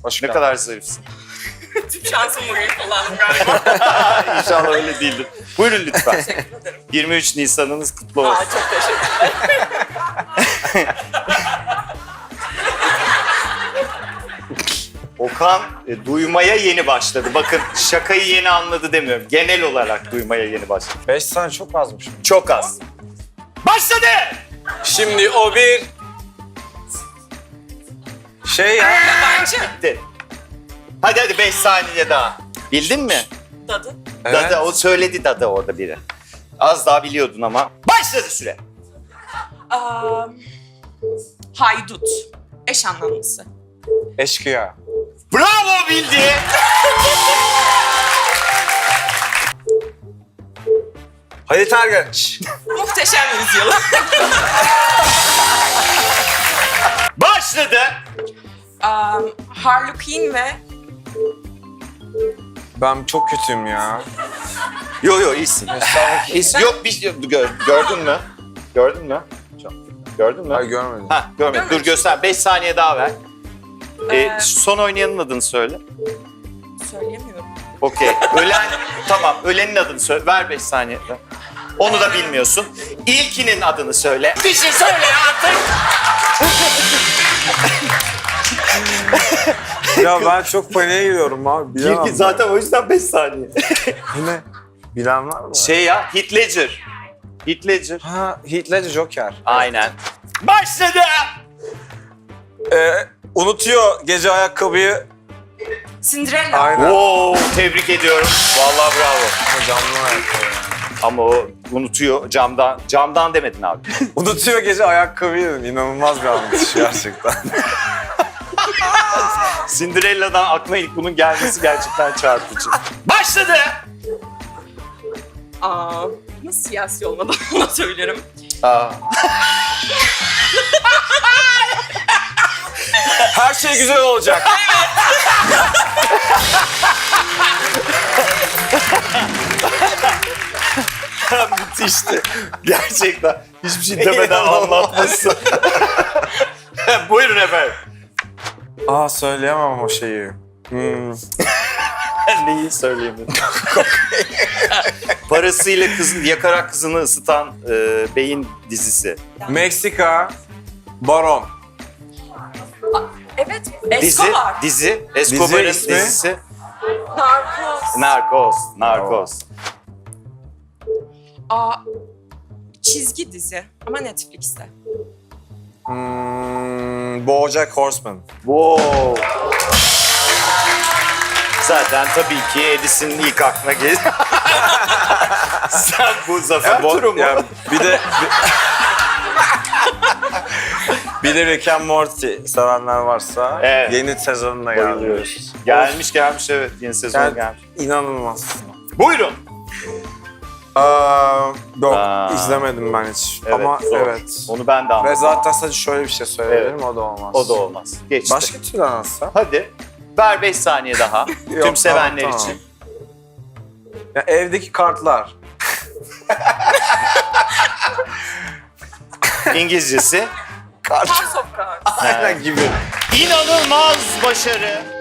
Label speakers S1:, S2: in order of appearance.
S1: Hoş
S2: Ne
S1: geldin.
S2: kadar zarifsin.
S3: Tüm şansımı bugün kullandım galiba.
S2: İnşallah öyle değildir. Buyurun lütfen.
S3: Teşekkür ederim.
S2: 23 Nisan'ınız kutlu olsun.
S3: Çok teşekkür ederim.
S2: Okan duymaya yeni başladı. Bakın şakayı yeni anladı demiyorum. Genel olarak duymaya yeni başladı.
S1: 5 saniye çok azmış.
S2: Çok az. Başladı!
S1: Şimdi o bir... Şey ya.
S3: Yabancı.
S2: Bitti. Hadi 5 saniye daha. Bildin mi?
S3: Dadı.
S1: Evet.
S2: Dada, o söyledi Dada orada biri. Az daha biliyordun ama. Başladı süre.
S3: Haydut. Eş anlamlısı.
S1: Eşkıya.
S2: Bravo bildi.
S1: Halit Ergenç.
S3: Muhteşem Yüzyıl.
S2: Başladı.
S3: Harlequin ve
S1: Ben çok kötüyüm ya.
S2: Yo iyisin. İyisin. Yok bir şey gördün mü? Gördün mü? Gördün mü?
S1: Hayır görmedim.
S2: Ha görmedim. Dur göster. 5 saniye daha ver. Son oynayanın adını söyle.
S3: söyleyemiyorum.
S2: Okey. Tamam. Ölenin adını söyle. Ver 5 saniye. Onu da bilmiyorsun. İlkinin adını söyle. Bir şey söyle artık.
S1: Ya ben çok paniğe giriyorum abi. Bilemem.
S2: İlki zaten o yüzden 5 saniye.
S1: Bu ne? Bilen var mı?
S2: Şey ya, Heath Ledger. Heath Ledger.
S1: Ha, Heath Ledger Joker.
S2: Aynen. Başladı.
S1: Unutuyor gece ayakkabıyı.
S3: Cinderella.
S1: Aynen.
S2: Wow, tebrik ediyorum. Vallahi bravo.
S1: Camdan ayakkabı.
S2: Ama o unutuyor camdan. Camdan demedin abi.
S1: Unutuyor gece ayakkabıyı. İnanılmaz bir anlatış gerçekten.
S2: Cinderella'dan aklına ilk bunun gelmesi gerçekten çarpıcı. Başladı.
S3: Nasıl siyasi olmadan ona söylerim.
S1: Her şey güzel olacak.
S2: Müthişti. Gerçekten. Hiçbir şey demeden anlatması. Buyurun efendim.
S1: Söyleyemem o şeyi.
S2: Neyi söyleyeyim? Parasıyla yakarak kızını ısıtan beyin dizisi.
S1: Meksika. Baron.
S3: Evet. Escobar.
S2: Dizi. Escobar'ın
S1: Dizi ismi?
S2: dizisi.
S3: Narcos.
S2: Narcos.
S3: Çizgi dizi ama Netflix'te.
S1: BoJack Horseman.
S2: Wow. Zaten tabii ki Edis'in ilk aklına gelir. Sen bu Zafer Turu mu?
S1: Yani bir de Rick and Morty sevenler varsa
S2: Evet.
S1: yeni sezonuna
S2: Bayılıyoruz.
S1: gelmiş.
S2: Gelmiş evet. Yeni sezon
S1: Yani
S2: gelmiş.
S1: inanılmaz.
S2: Buyurun.
S1: Yok
S2: Aa.
S1: izlemedim ben hiç.
S2: Evet,
S1: Ama
S2: zor.
S1: evet.
S2: Onu ben de
S1: Ve
S2: anladım.
S1: zaten sadece şöyle bir şey söyleyebilirim,
S2: Evet.
S1: o da olmaz.
S2: O da olmaz. Geçti.
S1: Başka türlü anlatsa?
S2: Hadi. Ver 5 saniye daha.
S1: Yok,
S2: Tüm sevenler
S1: tamam.
S2: için.
S1: Ya evdeki kartlar.
S2: İngilizcesi.
S3: House of Cards.
S1: Aynen gibi.
S2: İnanılmaz başarı.